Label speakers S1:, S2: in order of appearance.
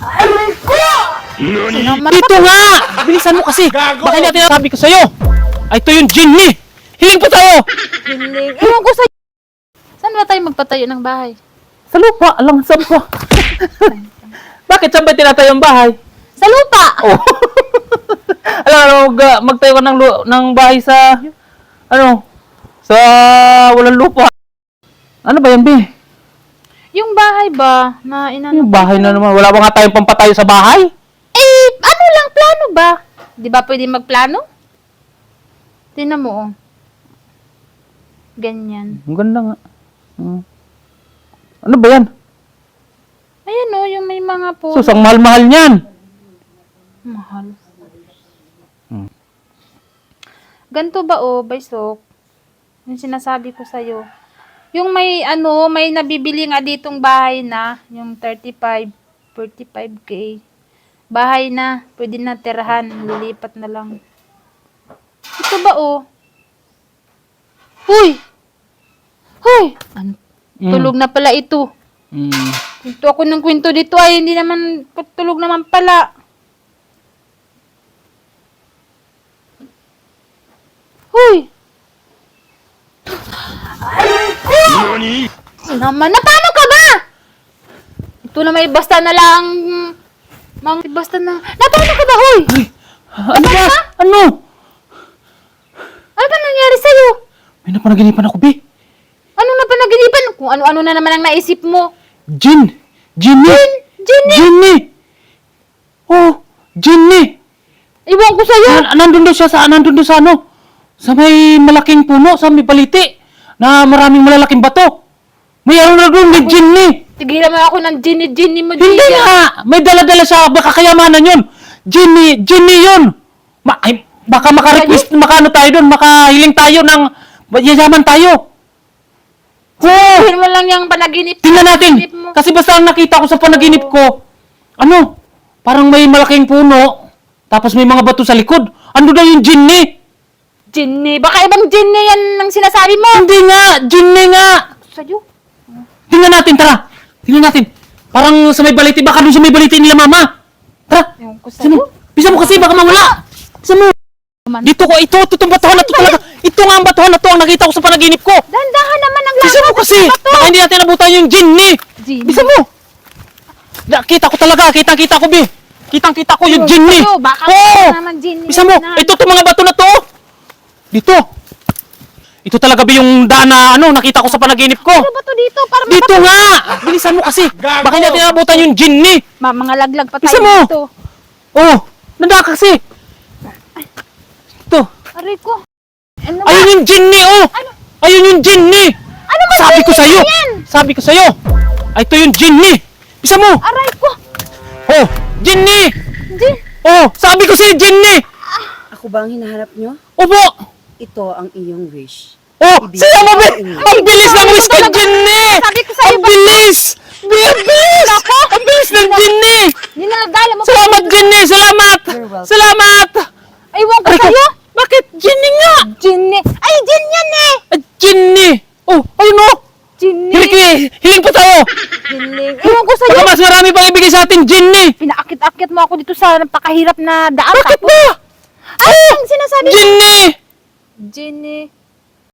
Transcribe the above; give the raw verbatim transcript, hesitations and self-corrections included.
S1: Aray ko!
S2: Naman,
S3: Dito nga! Bilisan mo kasi!
S1: Gago!
S3: Baka hindi natin sabi ko sa'yo! Ay, ito yung Ginny! Hiling pa tayo!
S2: hiling. Ewan ko sa... Saan ba tayo magpatayo ng bahay?
S3: Sa lupa! Alang saan pa? Bakit saan ba tinatayo ang bahay?
S2: Sa lupa!
S3: Oh. Alam ano, mag, magtayo ka ng, lu- ng bahay sa... Ano? Sa walang lupa. Ano ba yan, Bi?
S2: Yung bahay ba na inano?
S3: Yung bahay na naman. Wala ba nga tayong pampatayo sa bahay?
S2: Eh, ano lang, plano ba? Di ba pwede magplano? Tingnan mo, oh. Ganyan.
S3: Ang ganda nga. Hmm. Ano ba yan?
S2: Ayan, oh, yung may mga puno.
S3: Sus, ang mahal-mahal niyan.
S2: Mahal.
S3: Hmm.
S2: Ganto ba, oh, Baysok? Yung sinasabi ko sa'yo. Yung may, ano, may nabibili nga ditong bahay na, yung thirty-five, forty-five K. Bahay na, pwede na tirahan, lilipat na lang. Ito ba, oh? Huy! Huy! Ano?
S3: Mm.
S2: Tulog na pala ito.
S3: Hmm.
S2: Ito ako ng kwento dito ay hindi naman, tulog naman pala. Huy!
S1: Nani?
S2: Naman, na paano ka ba? Ito na may basta na lang. Mang, basta na. Na paano ka ba, huy?
S3: Ay, ano ba? Ano?
S2: Ano ba nangyari sa'yo?
S3: May napanaginipan ako, Bi.
S2: Ano na ba naginipan? Kung ano-ano na naman ang naisip mo.
S3: Jin! Ginny!
S2: Ginny!
S3: Ginny! Oh, Ginny!
S2: Iwan ko sa'yo.
S3: Na, nandun doon siya sa, nandun doon sa ano? Sa may malaking puno, sa may baliti. Na maraming malalaking bato. May ano na doon, may Ginny!
S2: Tigilan mo ako ng Ginny-Ginny mo.
S3: Hindi
S2: Gia.
S3: nga! May dala-dala siya, baka kayamanan yun! Ginny! Ginny yun! Ma ay, baka maka-request, maka-ano tayo doon, makahiling tayo ng yayaman tayo! Oo!
S2: Sabihin mo lang yung panaginip.
S3: Tingnan natin!
S2: panaginip mo.
S3: Kasi basta ang nakita ko sa panaginip ko, ano? Parang may malaking puno, tapos may mga bato sa likod. Ano daw yung Ginny?
S2: Ginny. Baka ibang Ginny yan ang sinasabi mo.
S3: Hindi nga! Ginny nga!
S2: Sa'yo.
S3: Tingnan natin, tara! Tingnan natin! Parang sa may baliti, baka doon sa may baliti nila mama! Tara!
S2: Ewan ko
S3: Bisa mo!
S2: sa'yo.
S3: Bisa mo kasi, baka mawala! Bisa mo! Dito ko, ito, ito, itong batuhan na to talaga! Ito nga ang batuhan na to ang nakita ko sa panaginip ko!
S2: Dandahan naman ang
S3: Bisa mo kasi! Baka hindi natin nabutan yung Ginny!
S2: Ginny.
S3: Bisa mo! Nakita ko talaga, kitang-kita ko, Bi! Kitang-kita ko yung
S2: Ewan ko
S3: Ginny!
S2: sa'yo, baka
S3: Oo!
S2: naman Ginny
S3: Bisa mo!
S2: na.
S3: Ito, itong mga bato na to! Dito! Ito talaga, Bi, yung daan na, ano, nakita ko sa panaginip ko!
S2: Ano ba to dito? Para
S3: Dito nga! Bilisan mo kasi!
S1: Gago!
S3: Baka hindi natin nabutan yung Ginny!
S2: Ma, mga laglag pa tayo
S3: Bisa mo!
S2: dito.
S3: Oh! Nanda kasi! Ito!
S2: Aray ko. Ano ba?
S3: Ayun yung Ginny, oh! Ayun yung Ginny!
S2: Ano ba
S3: Sabi ko
S2: Ginny
S3: sa'yo!
S2: yan?
S3: Sabi ko sa'yo! Ay, ito yung Ginny! Bisa mo!
S2: Aray ko.
S3: Oh! Ginny!
S2: Gin.
S3: Oh! Sabi ko sa'yo, Ginny!
S4: Ako ba ang hinahanap nyo?
S3: Opo!
S4: Ito ang iyong wish.
S3: Oh! Saya mo, Bi! Ang bilis ng wish ko, Ginny!
S2: Sabi ko sa'yo
S3: Ang
S2: ba?
S3: bilis! Bi, ang bilis! Ang bilis ng Ginny!
S2: Ninalagala mo.
S3: Salamat, Ginny! Salamat!
S4: You're welcome.
S3: Salamat!
S2: Aywan ko
S3: Aray ko!
S2: sa'yo.
S3: Bakit? Ginny nga!
S2: Ginny. Ay, Gin yan eh.
S3: Ah, Ginny! Oh! Ayun, oh!
S2: Ginny.
S3: Hiling, hiling pa tayo!
S2: Ginny. Aywan ko sa'yo.
S3: Baka mas marami pang ibigay sa atin, Ginny!
S2: Pinaakit-akit mo ako dito sa napakahirap na daan.
S3: Bakit
S2: Tapos,
S3: ba?
S2: Ay, ang sinasabi mo.
S3: Ginny!
S2: Ginny.